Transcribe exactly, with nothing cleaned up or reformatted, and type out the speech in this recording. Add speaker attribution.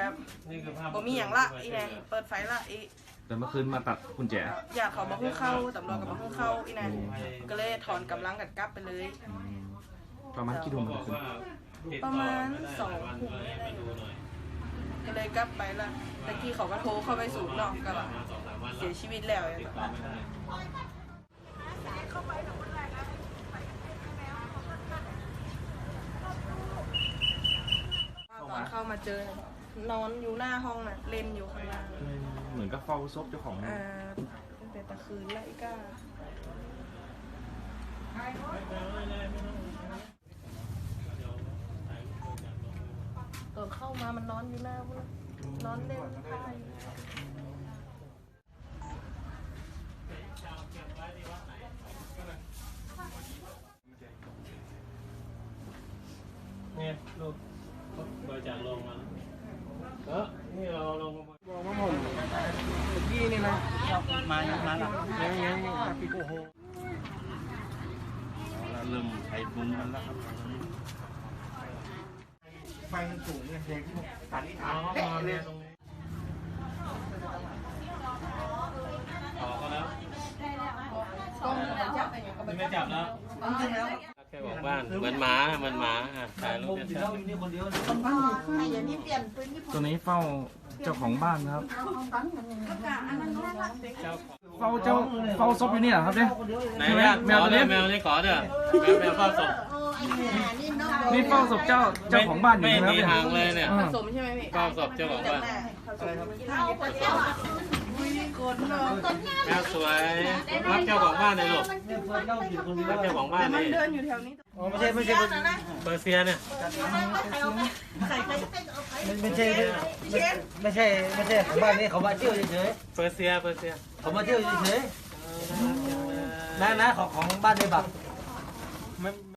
Speaker 1: แบบผมมีอย่างละอีแนนเปิดไฟละอี
Speaker 2: แต่เมื่อคืนมาตัดกุญแจ
Speaker 1: อยากเขามาหุ้งเข้าตำรวจกับมาหุ้งเข้าอีแนนก็เลยถอนกำลังกันกลับไปเลย
Speaker 2: ประมาณกี่ทุ่มเมื่อคืน
Speaker 1: ประมาณสองทุ่มได้ก็เลยกลับไปละตะกี้เขาก็โทรเข้าไปสูบนอกก็แบบเสียชีวิตแล้วตอนเข้ามาเจอนอนอยู่หน้าห้องน่ะเล่นอยู่ข้างล่าง
Speaker 2: เหมือนกับเฝ้าซบเจ้าของ
Speaker 1: อ่าตั้งแต่ตะคืนไล่ก้าตอนเข้ามามันนอนอยู่หน้าเว้ยนอนเล่นไพ่
Speaker 3: เนี่ยลูกบริจาคลงมาเออนี่เราลงมาบอกว่าผมยี่นี่นะมามาหลังยังยังยังปีโก้โหเราเริ่มใช้บุ้งมันแล้วครับไฟมันสูงเนี่ยเด็กที่ผมสันนิษฐานเขามาเนี่ยตรงนี้ต่อก็แล้วไม่จับแล้วแค่บอกบ้านเหมือนหมาเหมือนหมาถ่ายรูปเดียว
Speaker 2: ตัวนี้เฝ้าเจ้าของบ้านครับเฝ้าเจ้าเฝ้าศพอยู่นี่เหรอครับเนี่ย
Speaker 3: ไหนแมวเนี่ยแมวนี่ขอเด้อแมวแมวเฝ้าศพ
Speaker 2: นี่เฝ้าศพเจ้าเจ้าของบ้านอยู่
Speaker 3: ไม่
Speaker 2: ครับ
Speaker 3: มีทางเลยเนี่ย
Speaker 1: ผสมใช่ไหมพี่
Speaker 3: เฝ้าศพเจ้าของบ้านแมวสวยรับเจ้าของบ้านเลยลูกรับเจ้าของบ้านเลย
Speaker 1: มันเดินอยู่แถวนี้
Speaker 3: ไม่ใช่ไม่ใช่เปอร์เซียเนี่ย
Speaker 4: ไม่ใช่ไม่ใช่ไม่ใช่ของบ้านนี้เขามาเที่ยวเฉย
Speaker 3: ๆเปอร์เซียเปอร์เซีย
Speaker 4: เขามาเที่ยวเฉยๆนะนะของของบ้านในบัก